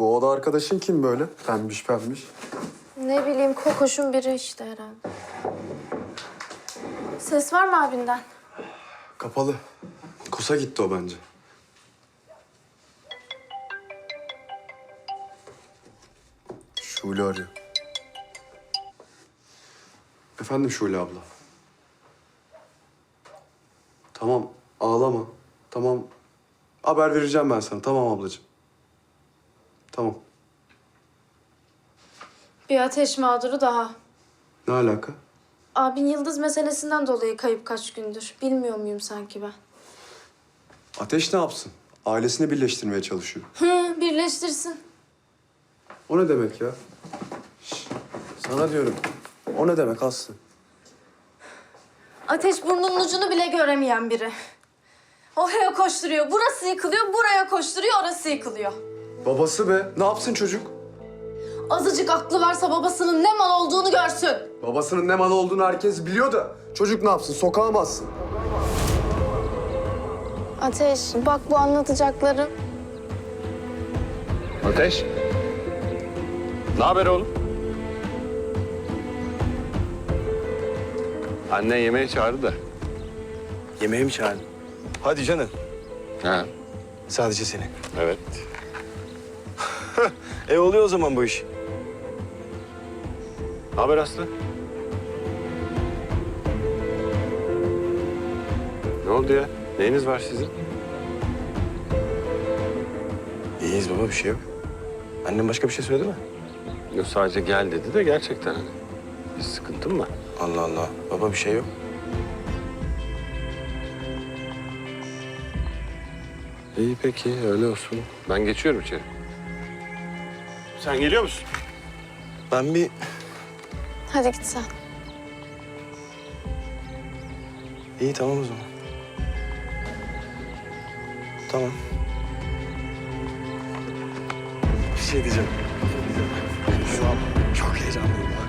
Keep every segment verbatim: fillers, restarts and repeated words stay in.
Bu oda arkadaşın kim böyle? Pembiş pembiş. Ne bileyim, kokoşun biri işte herhalde. Ses var mı abinden? Kapalı. Kusa gitti o bence. Şule arıyor. Efendim Şule abla. Tamam, ağlama. Tamam. Haber vereceğim ben sana. Tamam ablacığım. Tamam. Bir ateş mağduru daha. Ne alaka? Abin Yıldız meselesinden dolayı kayıp kaç gündür. Bilmiyor muyum sanki ben? Ateş ne yapsın? Ailesini birleştirmeye çalışıyor. Hı, birleştirsin. O ne demek ya? Şş, sana diyorum. O ne demek Aslı? Ateş burnunun ucunu bile göremeyen biri. Oraya koşturuyor, burası yıkılıyor, buraya koşturuyor, orası yıkılıyor. Babası be. Ne yapsın çocuk? Azıcık aklı varsa babasının ne mal olduğunu görsün. Babasının ne mal olduğunu herkes biliyor da çocuk ne yapsın? Sokağa mı atsın? Ateş, bak bu anlatacakların. Ateş. Ne haber oğlum? Annen yemeğe çağırdı da. Yemeğe mi çağırdın? Hadi canım. Ha, Sadece seni. evet. E oluyor o zaman bu iş. Ne haber Aslı? Ne oldu ya? Neyiniz var sizin? İyiyiz baba, bir şey yok. Annem başka bir şey söyledi mi? Yok, sadece gel dedi de gerçekten hani. Bir sıkıntın mı? Allah Allah. Baba bir şey yok. İyi peki, öyle olsun. Ben geçiyorum içeri. Sen geliyor musun? Ben bir... Hadi git sen. İyi tamam o zaman. Tamam. Bir şey diyeceğim. Şu an çok heyecanlıyım ya.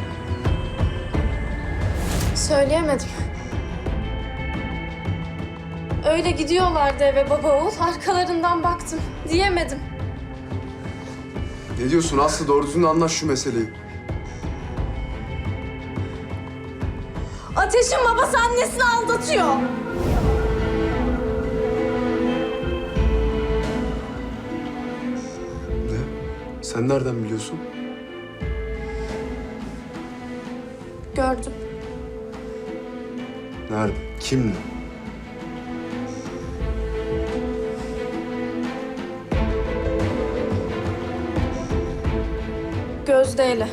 Söyleyemedim. Öyle gidiyorlardı eve baba oğul. Arkalarından baktım. Diyemedim. Ne diyorsun Aslı? Doğru düzgün anlaş şu meseleyi. Ateş'in babası annesini aldatıyor. Ne? Sen nereden biliyorsun? Gördüm. Nerede? Kimle? Gözde'yle.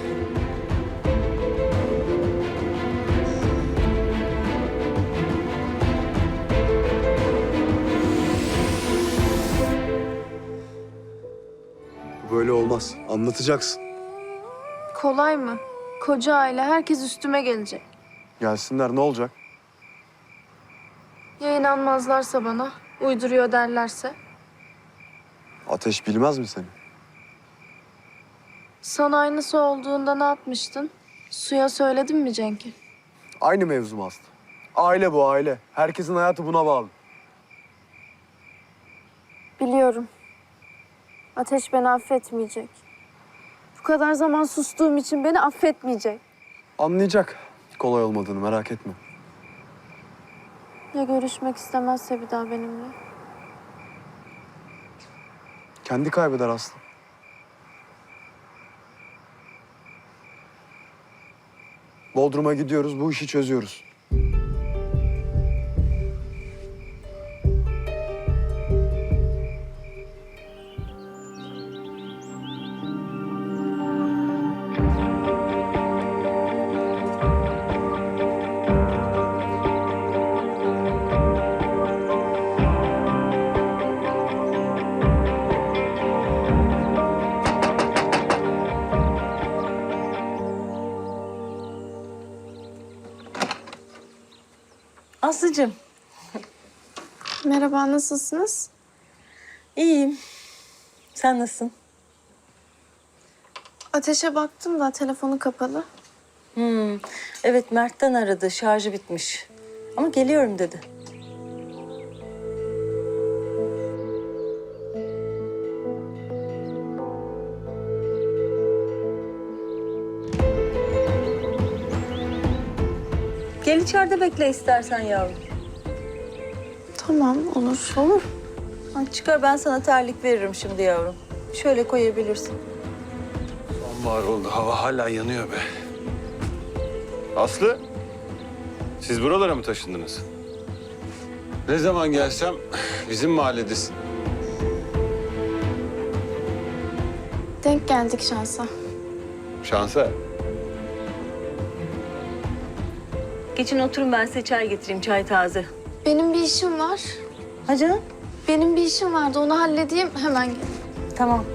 Bu böyle olmaz. Anlatacaksın. Kolay mı? Koca aile, herkes üstüme gelecek. Gelsinler, ne olacak? Ya inanmazlarsa bana, uyduruyor derlerse? Ateş bilmez mi seni? Sana aynısı olduğunda ne yapmıştın? Suya söyledin mi Cenk'e? Aynı mevzu mu Aslı? Aile bu aile. Herkesin hayatı buna bağlı. Biliyorum. Ateş beni affetmeyecek. Bu kadar zaman sustuğum için beni affetmeyecek. Anlayacak. Kolay olmadığını merak etme. Ya görüşmek istemezse bir daha benimle? Kendi kaybeder Aslı. Bodrum'a gidiyoruz, bu işi çözüyoruz. Aslıcığım. Merhaba, nasılsınız? İyiyim. Sen nasılsın? Ateşe baktım da telefonu kapalı. Hmm. Evet, Mert'ten aradı. Şarjı bitmiş. Ama geliyorum dedi. Gel içeride bekle istersen yavrum. Tamam, olur. Olur. Hadi çıkar, ben sana terlik veririm şimdi yavrum. Şöyle koyabilirsin. Sonbahar oldu. Hava hala yanıyor be. Aslı, siz buralara mı taşındınız? Ne zaman gelsem bizim mahalledesin. Denk geldik şansa. Şansa. Geçin oturun, ben size çay getireyim, çay taze. Benim bir işim var. Ha canım? Benim bir işim vardı, onu halledeyim, hemen gel. Tamam.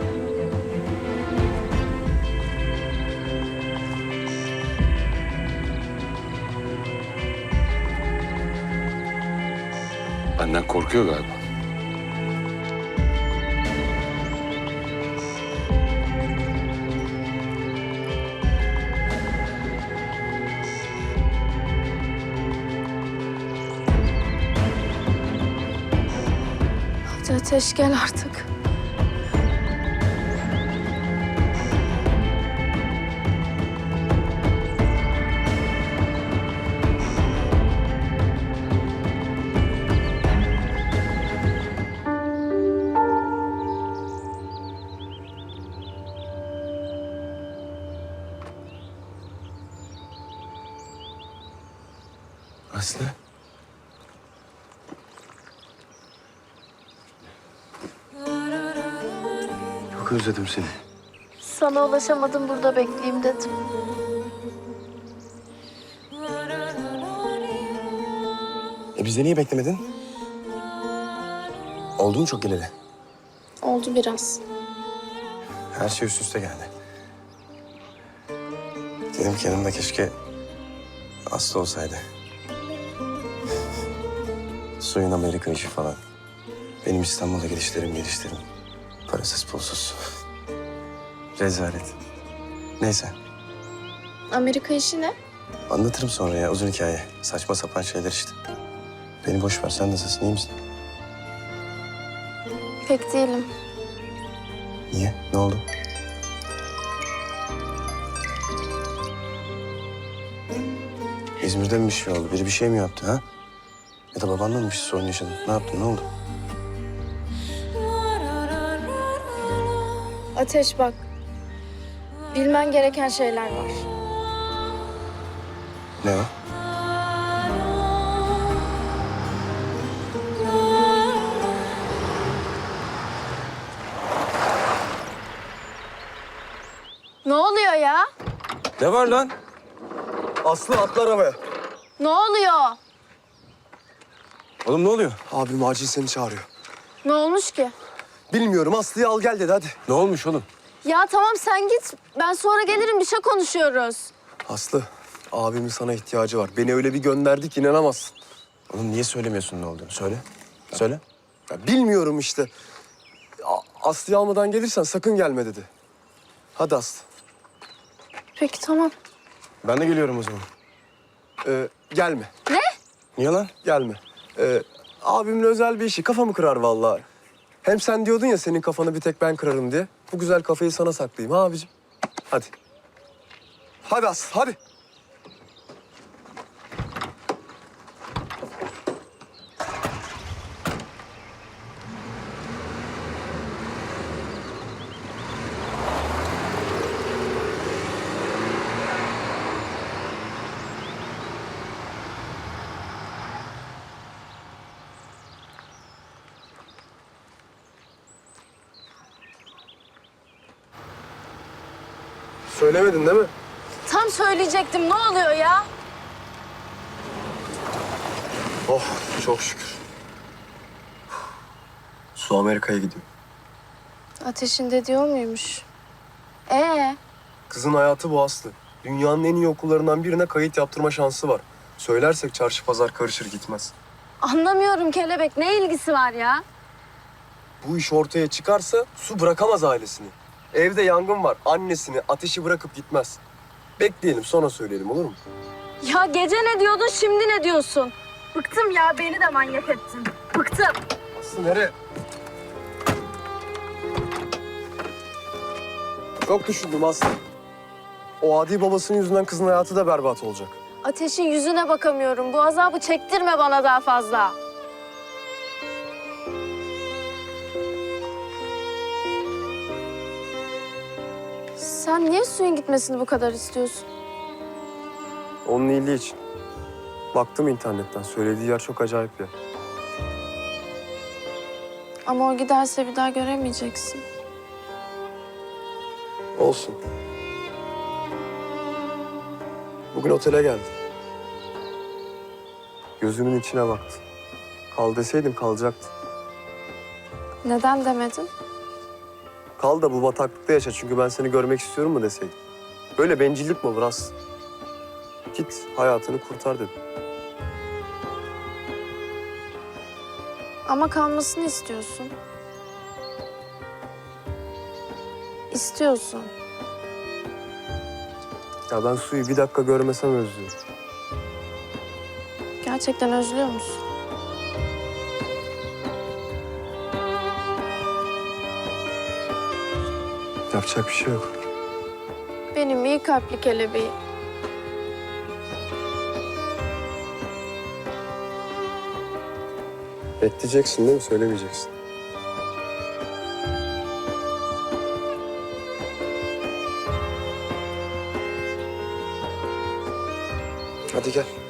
Benden korkuyor galiba. Hadi Ateş, gel artık. Aslı. Çok özledim seni. Sana ulaşamadım, burada bekleyeyim dedim. E bize niye beklemedin? Oldu mu çok geleli? Oldu biraz. Her şey üst üste geldi. Dedim ki yanımda keşke Aslı olsaydı. Suyun Amerika işi falan. Benim İstanbul'a gelişlerim gelişlerim. Parasız pulsuz. Rezalet. Neyse, Amerika işi ne? anlatırım sonra ya, uzun hikaye. Saçma sapan şeyler işte. Beni boş ver, sen nasılsın, iyi misin? Pek değilim. Niye, ne oldu? İzmir'de mi bir şey oldu? Biri bir şey mi yaptı ha? Ya da babanla mı bir şey sorun yaşadın? Ne yaptın, ne oldu? Ateş bak. Bilmen gereken şeyler var. Ne o? Ne oluyor ya? Ne var lan? Aslı atla arabaya. Ne oluyor? Oğlum ne oluyor? Abim acil seni çağırıyor. Ne olmuş ki? Bilmiyorum, Aslı'yı al gel dedi, hadi. Ne olmuş oğlum? Ya tamam sen git. Ben sonra gelirim, bir şey konuşuyoruz. Aslı, abimin sana ihtiyacı var. Beni öyle bir gönderdi ki inanamazsın. Oğlum niye söylemiyorsun ne olduğunu? Söyle. Söyle. Ya bilmiyorum işte. A- Aslı'yı almadan gelirsen sakın gelme dedi. Hadi Aslı. Peki tamam. Ben de geliyorum o zaman. Ee, gelme, Niye lan? gelme. Ee, abimin özel bir işi, kafamı kırar vallahi. Hem sen diyordun ya senin kafanı bir tek ben kırarım diye. Bu güzel kafayı sana saklayayım ha abicim. Hadi. Hadi Aslı, hadi. Söylemedin değil mi? Tam söyleyecektim. Ne oluyor ya? Oh, çok şükür. Su Amerika'ya gidiyor. Ateşin de diyor muymuş? Ee, Kızın hayatı bu Aslı. Dünyanın en iyi okullarından birine kayıt yaptırma şansı var. Söylersek çarşı pazar karışır gitmez. anlamıyorum kelebek. Ne ilgisi var ya? Bu iş ortaya çıkarsa Su bırakamaz ailesini. Evde yangın var. Annesini, ateşi bırakıp gitmez. Bekleyelim, sonra söyleyelim, olur mu? Ya gece ne diyordun, şimdi ne diyorsun? Bıktım ya, beni de manyak ettin. Bıktım. Aslı nereye? Çok düşündüm Aslı. O adi babasının yüzünden kızın hayatı da berbat olacak. Ateş'in yüzüne bakamıyorum. Bu azabı çektirme bana daha fazla. Sen niye suyun gitmesini bu kadar istiyorsun? Onun iyiliği için. Baktım internetten. Söylediği yer çok acayip bir yer. Ama o giderse bir daha göremeyeceksin. Olsun. Bugün otele geldi. Gözümün içine baktı. Kal deseydim kalacaktı. Neden demedin? Kal da bu bataklıkta yaşa çünkü ben seni görmek istiyorum mu deseydim. Böyle bencillik mi olur Aslı? Git hayatını kurtar dedim. Ama kalmasını istiyorsun. İstiyorsun. Ya ben suyu bir dakika görmesem özlüyorum. Gerçekten özlüyor musun? Yapacak bir şey yok. Benim iyi kalpli kelebeğim. Bekleyeceksin değil mi? Söylemeyeceksin. Hadi gel.